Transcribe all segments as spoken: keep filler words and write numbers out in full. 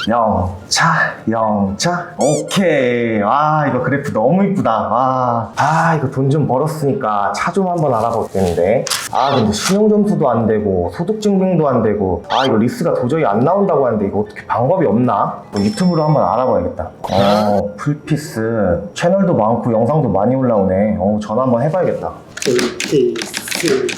영차, 영차. 오케이. 아, 이거 그래프 너무 이쁘다. 아, 아 이거 돈 좀 벌었으니까 차 좀 한번 알아보겠는데. 아, 근데 신용점수도 안 되고 소득증빙도 안 되고, 아 이거 리스가 도저히 안 나온다고 하는데 이거 어떻게 방법이 없나? 뭐 유튜브로 한번 알아봐야겠다. 어, 풀피스 채널도 많고 영상도 많이 올라오네. 어, 전화 한번 해봐야겠다. 풀피스.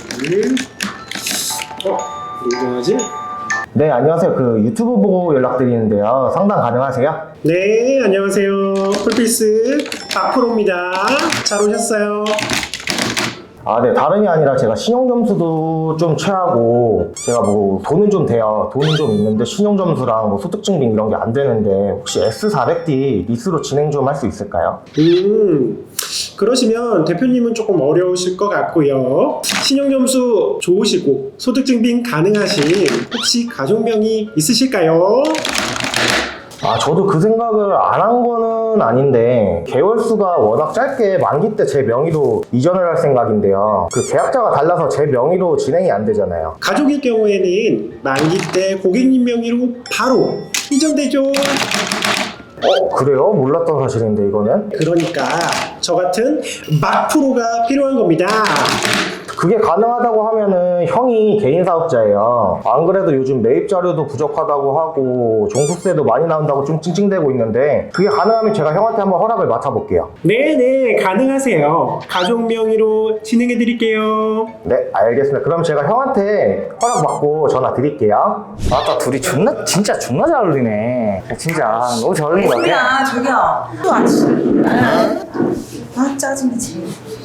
어, 누구지? 네, 안녕하세요. 그 유튜브 보고 연락드리는데요. 상담 가능하세요? 네, 안녕하세요. 풀피스 박프로입니다. 잘 오셨어요? 아, 네. 다름이 아니라 제가 신용점수도 좀 최하고, 제가 뭐 돈은 좀 돼요. 돈은 좀 있는데 신용점수랑 뭐 소득증빙 이런 게 안 되는데, 혹시 에스 사백 디 리스로 진행 좀 할 수 있을까요? 음, 그러시면 대표님은 조금 어려우실 것 같고요. 신용점수 좋으시고 소득증빙 가능하신 혹시 가족명이 있으실까요? 아, 저도 그 생각을 안 한 거는 아닌데, 개월수가 워낙 짧게 만기 때 제 명의로 이전을 할 생각인데요. 그 계약자가 달라서 제 명의로 진행이 안 되잖아요. 가족일 경우에는 만기 때 고객님 명의로 바로 이전되죠. 어, 그래요? 몰랐던 사실인데, 이거는? 그러니까 저 같은 막프로가 필요한 겁니다. 그게 가능하다고 하면은 형이 개인 사업자예요. 안 그래도 요즘 매입 자료도 부족하다고 하고 종부세도 많이 나온다고 좀 찡찡대고 있는데, 그게 가능하면 제가 형한테 한번 허락을 맡아볼게요. 네네, 가능하세요. 가족 명의로 진행해 드릴게요. 네, 알겠습니다. 그럼 제가 형한테 허락 받고 전화 드릴게요. 아따 둘이 존나 진짜 존나 잘 어울리네. 진짜 너무 잘 어울리는 것 같아. 저기요, 저기요. 또 안 치. 아, 짜증나, 지금.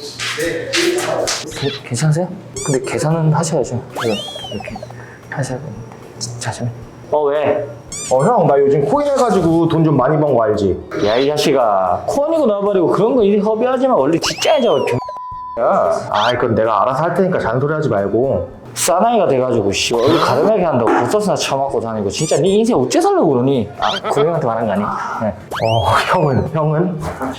그, 괜찮으세요? 근데 계산은 하셔야죠. 이거 이렇게 하셔야 되는데. 잠시만. 어 왜? 어, 형, 나 요즘 코인 해가지고 돈 좀 많이 번 거 알지? 야 이 자식아 코인이고 나발이고 그런 거 이리 협의하지만 원래 진짜야죠. 야, 아이, 그건 내가 알아서 할 테니까 잔소리 하지 말고. 싸나이가 돼가지고 씨 얼굴 가름하게 한다고 보서스나 처맞고 다니고 진짜 네 인생 어째 살려고 그러니? 아 고객한테 말한 거 아니? 네. 어, 형은, 형은?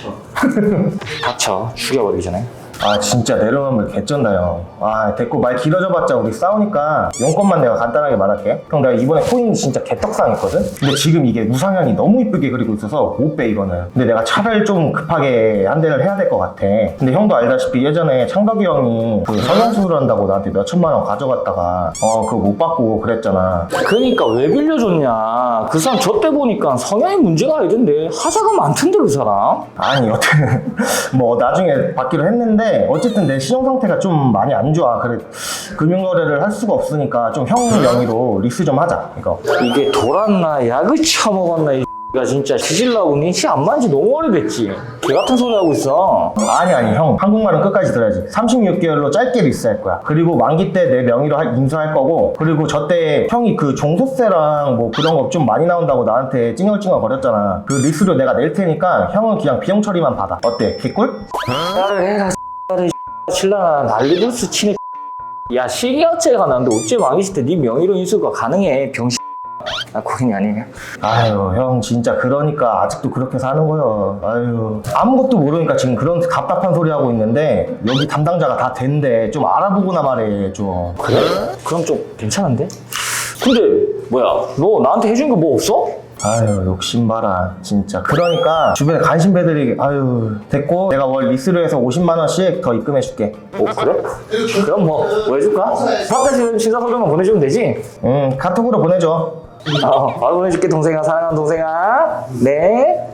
닥쳐 죽여버리기 전에. 아, 진짜 내려놓으면 개쩐다, 형. 아, 됐고, 말 길어져봤자 우리 싸우니까 용건만 내가 간단하게 말할게. 형, 내가 이번에 코인 진짜 개떡상했거든? 근데 지금 이게 우상향이 너무 이쁘게 그리고 있어서 못 빼, 이거는. 근데 내가 차를 좀 급하게 한 대를 해야 될 것 같아. 근데 형도 알다시피 예전에 창덕이 형이 그 성형수술 한다고 나한테 몇 천만 원 가져갔다가 어, 그거 못 받고 그랬잖아. 그러니까 왜 빌려줬냐? 그 사람 저 때 보니까 성향이 문제가 아니던데 하자가 많던데 그 사람? 아니, 여튼 뭐 나중에 받기로 했는데 어쨌든 내 신용 상태가 좀 많이 안 좋아. 그래 금융거래를 할 수가 없으니까 좀 형 명의로 리스 좀 하자, 이거. 이게 돌았나 약을 처먹었나 이 X가 진짜 시질라고 니치 안 만지 너무 오래됐지. 개 같은 소리 하고 있어. 아니 아니 형, 한국말은 끝까지 들어야지. 삼십육 개월로 짧게 리스할 거야. 그리고 만기 때 내 명의로 할- 인수할 거고, 그리고 저 때 형이 그 종소세랑 뭐 그런 거 좀 많이 나온다고 나한테 찡얼찡얼 거렸잖아. 그 리스료 내가 낼 테니까 형은 그냥 비용 처리만 받아. 어때? 개꿀? 나를 해라 X를 신라 난리불스 치네. 야 실기업체가 나는데 어째 망했을 때 네 명의로 인수가 가능해 병신. 아 고객이 아니면. 아유 형, 진짜 그러니까 아직도 그렇게 사는 거요. 아유, 아무것도 모르니까 지금 그런 답답한 소리 하고 있는데 여기 담당자가 다 된대. 좀 알아보고나 말해 좀. 그래? 그럼 좀 괜찮은데? 근데 뭐야 너 나한테 해준 거 뭐 없어? 아유, 욕심 봐라 진짜. 그러니까 주변에 관심배들이, 아유, 됐고 내가 월 리스로 해서 오십만 원씩 더 입금해 줄게. 어 그래? 그럼 뭐 뭐 해줄까? 바깥에 신사 서류만 보내주면 되지? 응, 카톡으로 보내줘. 어 바로 보내줄게 동생아. 사랑하는 동생아. 네.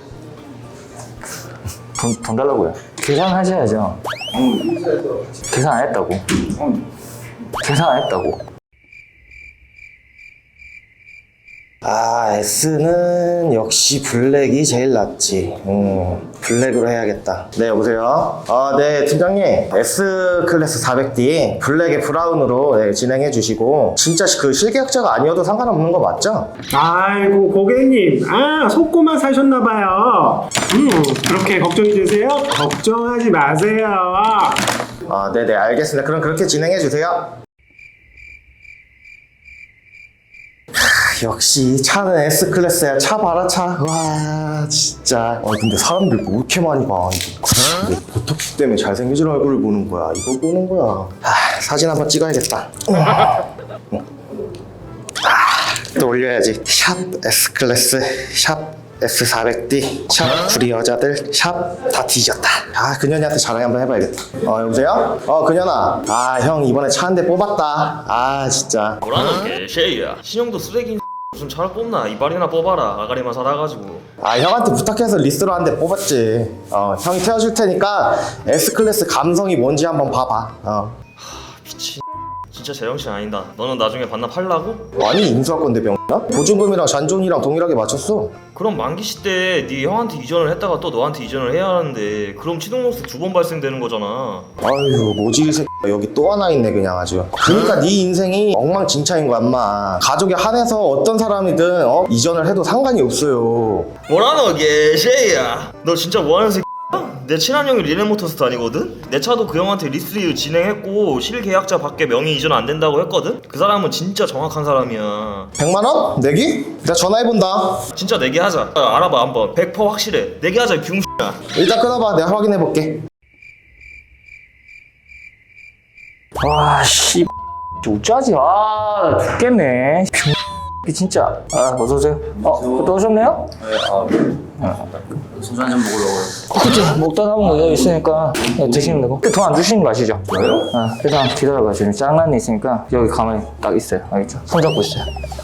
돈, 돈 달라고요. 계산하셔야죠. 계산 안 했다고. 계산 안 했다고. 아, S는 역시 블랙이 제일 낫지. 음, 블랙으로 해야겠다. 네, 여보세요? 아, 네, 팀장님. S 클래스 사백 디 블랙에 브라운으로 네, 진행해 주시고, 진짜 그 실계약자가 아니어도 상관없는 거 맞죠? 아이고 고객님, 아 속고만 사셨나봐요. 음, 그렇게 걱정이 되세요? 걱정하지 마세요. 아, 네네, 알겠습니다. 그럼 그렇게 진행해 주세요. 역시 차는 S클래스야. 차 봐라, 차. 와, 진짜. 아, 근데 사람들 뭐 이렇게 많이 봐. 이거. 근데 보톡스 때문에 잘생겨진 얼굴을 보는 거야. 이걸 보는 거야. 아, 사진 한번 찍어야겠다. 아, 또 올려야지. 샵 S클래스, 샵 에스 사백 디, 샵 구리 여자들, 샵 다 뒤졌다. 아, 그년이한테 전화 한번 해봐야겠다. 어, 여보세요? 어, 그년아. 아, 형 이번에 차 한 대 뽑았다. 아, 진짜. 뭐라는 개쉐이야. 신형도 쓰레기 무슨 차를 뽑나. 이발이나 뽑아라. 아가리만 살아가지고. 아, 형한테 부탁해서 리스로 한 대 뽑았지. 어, 형이 태워줄 테니까 S클래스 감성이 뭔지 한번 봐봐. 어. 미친. 진짜 제정신 아니다. 너는 나중에 반납하려고? 아니, 인수할 건데 병나? 보증금이랑 잔존이랑 동일하게 맞췄어. 그럼 만기시 때 네 형한테 이전을 했다가 또 너한테 이전을 해야 하는데 그럼 취득로스 두 번 발생되는 거잖아. 아유, 뭐지 이 새끼가 여기 또 하나 있네 그냥 아주. 그러니까 네 인생이 엉망진창인 거야 인마. 가족에 한해서 어떤 사람이든 어? 이전을 해도 상관이 없어요. 뭐라노 개쉐이야. 너 진짜 뭐하는 새끼야? 내 친한 형이 리네모터스 다니거든? 내 차도 그 형한테 리스리뷰 진행했고 실계약자 밖에 명의 이전 안 된다고 했거든? 그 사람은 진짜 정확한 사람이야. 백만 원? 내기? 내가 전화해본다. 진짜 내기 하자. 아, 알아봐 한번. 백 퍼센트 확실해. 내기 하자 병신아. 일단 끊어봐. 내가 확인해볼게. 와, 씨. 어쩌지? 아, 나 죽겠네. 병... 진짜. 아, 어서오세요. 어, 또 오셨네요? 소주 한잔 먹으려고요. 그치, 먹다 남은 거 여기 있으니까 네, 드시면 되고. 돈 안 주시는 거 아시죠? 왜요? 아, 일단 기다려봐. 지금 장난이 있으니까 여기 가만히 딱 있어요. 알겠죠? 손 잡고 있어요.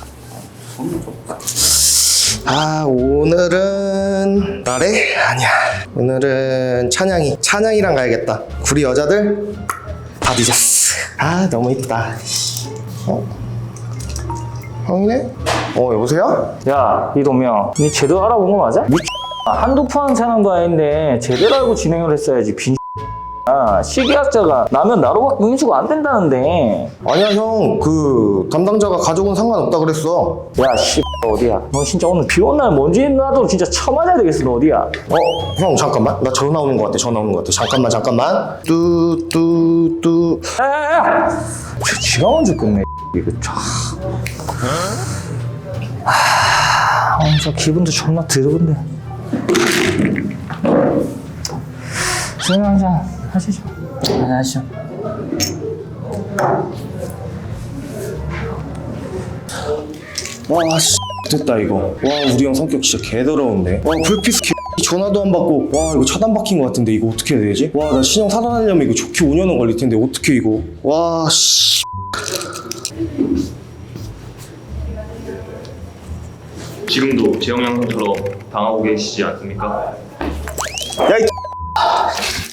아, 오늘은 나래? 아니야. 오늘은 찬양이. 찬양이랑 가야겠다. 구리 여자들 다 뒤졌어. 아, 너무 이쁘다. 어? 형이네? 어, 여보세요? 야, 이동명, 니 제대로 알아본 거 맞아? 미 한두 푼 사는 바인데 제대로 알고 진행을 했어야지. 빈 아, 시계약자가 나면 나로밖에 인수가 안 된다는데. 아니야, 형. 그 담당자가 가족은 상관없다 그랬어. 야, 씨, 어디야? 너 진짜 오늘 비 온 날 먼지 나도 진짜 처맞아야 되겠어. 너 어디야? 어, 형 잠깐만. 나 전화 오는 것 같아. 전화 오는 것 같아. 잠깐만, 잠깐만. 뚜뚜뚜. 야야야! 저 지가 먼저 끝내. 이거 참. 하, 오늘 저 기분도 존나 더러운데. 술 한잔 하시죠. 한잔 하시죠. 와, 씨. 됐다, 이거. 와, 우리 형 성격 진짜 개더러운데. 와, 불피스 개. 전화도 안 받고. 와, 이거 차단 박힌 것 같은데. 이거 어떻게 해야 되지? 와, 나 신형 사단하려면 이거 좋게 오 년은 걸릴 텐데. 어떻게 이거. 와, 씨. 지금도 재영 양처럼 당하고 계시지 않습니까? 야, 이